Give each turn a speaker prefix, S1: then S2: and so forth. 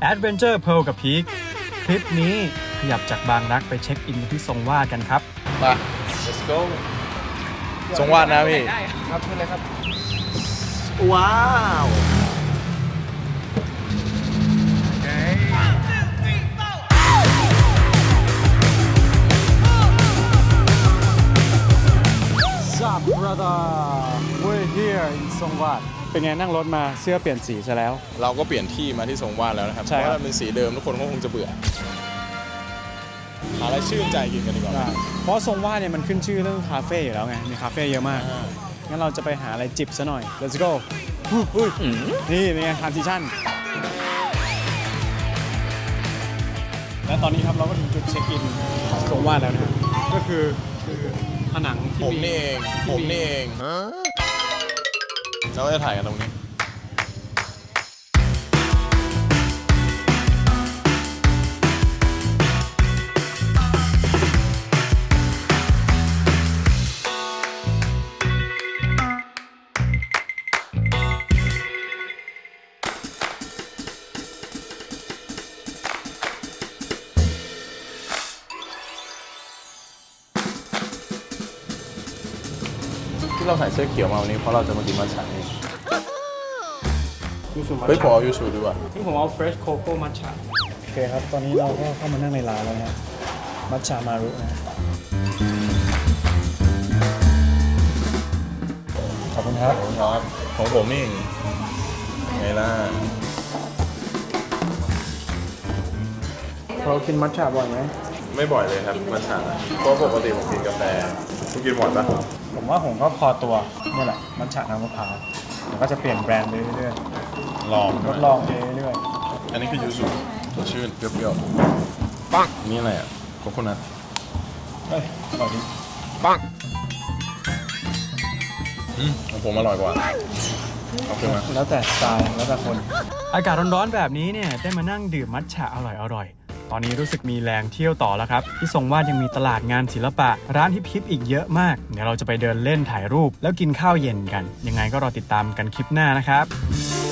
S1: Adventure Pearl กับพีคคลิปนี้ขยับจากบางรักไปเช็คอินที่ทรงวาดกันครับ
S2: มา let's go ทรงวาดนะพี่
S3: ครับขึ้นเลยครับ
S2: ว้าว
S1: Sup brother we're here in ทรงวาดเป็นไงนั่งรถมาเสื้อเปลี่ยนสีซะแล้ว
S2: เราก็เปลี่ยนที่มาที่ทรงวาดแล้วนะครับ
S1: ใช่
S2: เพ
S1: ครับ
S2: ราะว่าเป็นสีเดิมทุกคนก็คงจะเบื่อหาอะไรชื่นใจกินกันดีกว่า
S1: เพราะทรงวาดเนี่ยมันขึ้นชื่อเรื่องคาเฟ่อยู่แล้วไงมีคาเฟ่เยอะมากงั้นเราจะไปหาอะไรจิบซะหน่อย let's go อุ้ยนี่เป็นไงทรานซิชั่นและตอนนี้ครับเราก็ถึงจุดเช็คอินของทรงวาดแล้วนะก็คือผนังที่
S2: ผมนี่เองผมนี่เองเราจะถ่ายกันตรงนี้ที่เราใส่เสื้อเขียวมาวันนี้เพราะเราจะมากินมัทฉะนี่เฮ้ยผมเอายูสุด้วยว่ะ
S1: นี่ผมเอา fresh cocoa matcha โอเคครับตอนนี้เราก็เข้ามานั่งในร้านแล้วนะมัทฉะมารุนะขอบคุณครับ
S2: ครับของผมนี่เองไงล่ะ
S1: เรากินมัทฉะบ่อยไหม
S2: ไม่บ่อยเลยครับมัทฉะเพราะปกติผมกินกาแฟคุณกินบ่อยปะ
S1: ผมว่าผมก็พอตัวนี่แหละมัทฉะน้ำมะพร้าวเดี๋ยวก็จะเปลี่ยนแบรนด์ไปเรื่อย
S2: ลอง
S1: ๆทดลองไปเรื่อย
S2: อันนี้คือยูสุสดชื่นเปรี้ยวๆปังนี่อะไรอ่ะโคโคนัท
S1: ๆเฮ้ยอร่อยดี
S2: ปังของผมอร่อยกว่าเอาขึ้นมา
S1: แล้วแต่สไตล์แล้วแต่คนอากาศร้อนๆแบบนี้เนี่ยได้มานั่งดื่มมัทฉะอร่อยๆตอนนี้รู้สึกมีแรงเที่ยวต่อแล้วครับที่ทรงวาดยังมีตลาดงานศิลปะร้านฮิปๆอีกเยอะมากเดี๋ยวเราจะไปเดินเล่นถ่ายรูปแล้วกินข้าวเย็นกันยังไงก็รอติดตามกันคลิปหน้านะครับ